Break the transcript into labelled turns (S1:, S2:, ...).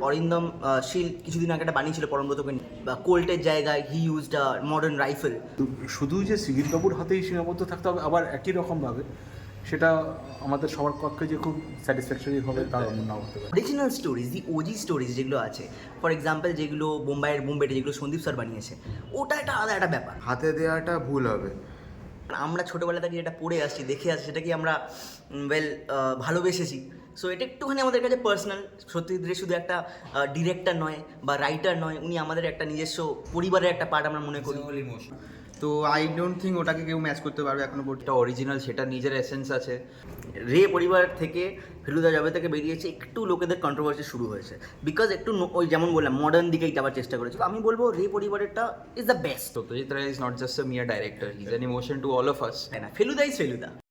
S1: অরিন্দম শীল কিছুদিন আগে একটা বানিয়েছিল পরমব্রতকে নিয়ে, বা কোল্টের জায়গায় হি ইউজড মডার্ন রাইফেল।
S2: শুধু যে সিগির বাবুর হাতেই সীমাবদ্ধ থাকতে হবে আবার একই রকমভাবে, সেটা আমাদের সবার পক্ষে যে খুব স্যাটিসফ্যাকশনারি হবে তার নাও হতে পারে।
S1: Original stories, the OG stories যেগুলো আছে, ফর এক্সাম্পল যেগুলো বোম্বেটে যেগুলো সন্দীপ স্যার বানিয়েছে, ওটা একটা আলাদা একটা ব্যাপার।
S3: হাতে দেওয়াটা ভুল হবে।
S1: আমরা ছোটোবেলা থেকে যেটা পড়ে আসছি, দেখে আসছি, সেটাকে আমরা ভালোবেসেছি। সো এটা একটুখানি আমাদের কাছে পার্সোনাল। সত্যজিৎ রে শুধু একটা ডিরেক্টর নয় বা রাইটার নয়, উনি আমাদের একটা নিজস্ব পরিবারের একটা পার্ট আমরা মনে করি।
S3: তো আই ডোন্ট থিঙ্ক ওটাকে কেউ ম্যাচ করতে পারবে এখনো পর্যন্ত।
S4: এটা অরিজিনাল, সেটা নিজের এসেন্স আছে।
S1: রে পরিবার থেকে ফেলুদা জবে থেকে বেরিয়েছে, একটু লোকেদের কন্ট্রোভার্সি শুরু হয়েছে, বিকজ একটু ওই যেমন বললাম মডার্ন দিকেই যাওয়ার চেষ্টা করেছে। তো আমি বলবো রে পরিবারেরটা is the best.
S4: Satyajit Ray is not just a mere director, he's an emotion to all of us.
S1: তাই না, ফেলুদা ইজ ফেলুদা।